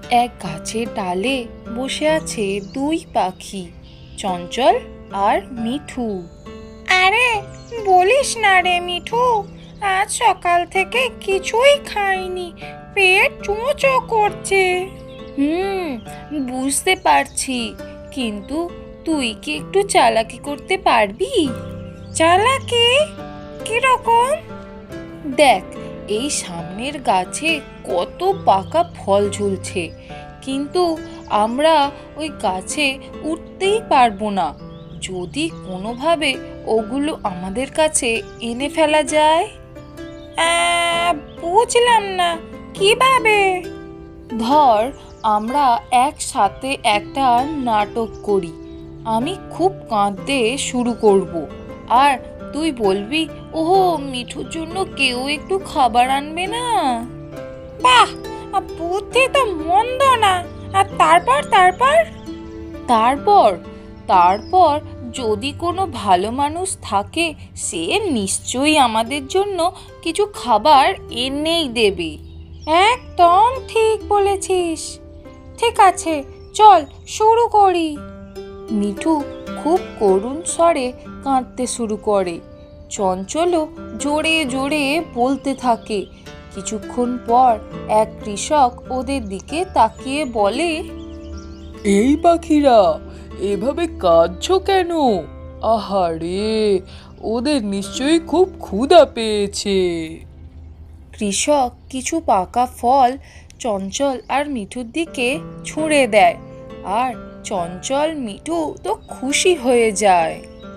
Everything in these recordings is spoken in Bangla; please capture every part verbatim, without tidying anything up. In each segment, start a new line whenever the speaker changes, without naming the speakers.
এক গাছের ডালে বসে আছে দুই পাখি, চঞ্চল আর মিঠু। আরে বলিস না রে মিঠু, আজ সকাল থেকে কিছুই খাইনি, পেট চুঁচো করছে। হুম, বুঝতে পারছি, কিন্তু তুই কি একটু চালাকি করতে পারবি? চালাকি কিরকম? দেখ, এই সামনের গাছে কত পাকা ফল ঝুলছে, কিন্তু আমরা ওই গাছে উঠতেই পারবো না। যদি কোনোভাবে ওগুলো আমাদের কাছে এনে ফেলা যায়। আহ, বুঝলাম না, কিভাবে? ধর, আমরা একসাথে একটা নাটক করি। আমি খুব কাঁদতে শুরু করব, আর তুই বলবি, ওহো, মিঠুর জন্য কেউ একটু খাবার আনবে না? বাহ, বুদ্ধি তো মন্দ না। আর তারপর তারপর তারপর তারপর যদি কোনো ভালো মানুষ থাকে, সে নিশ্চয়ই আমাদের জন্য কিছু খাবার এনেই দেবে। একদম ঠিক বলেছিস। ঠিক আছে, চল শুরু করি। মিঠু খুব করুণ স্বরে কাঁদতে শুরু করে। চঞ্চলও জোরে জোরে বলতে থাকে। কিছুক্ষণ পর এক কৃষক ওদের দিকে তাকিয়ে বলে,
এই পাখিরা, এভাবে কাঁদছো কেন? আহারে, ওদের নিশ্চয়ই খুব ক্ষুধা পেয়েছে।
কৃষক কিছু পাকা ফল চঞ্চল আর মিঠুর দিকে ছুঁড়ে দেয়, আর চঞ্চল মিঠু তো খুশি হয়ে যায়।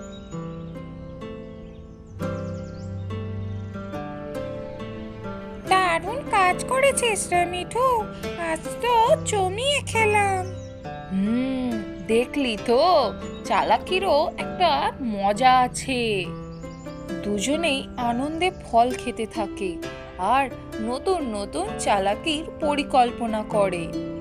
দারুণ কাজ করেছিস রে মিঠু, আজ তো জমিয়ে খেলাম। হুম, দেখলি তো, চালাকিরও একটা মজা আছে। দুজনেই আনন্দে ফল খেতে থাকে আর নতুন নতুন চালাকির পরিকল্পনা করে।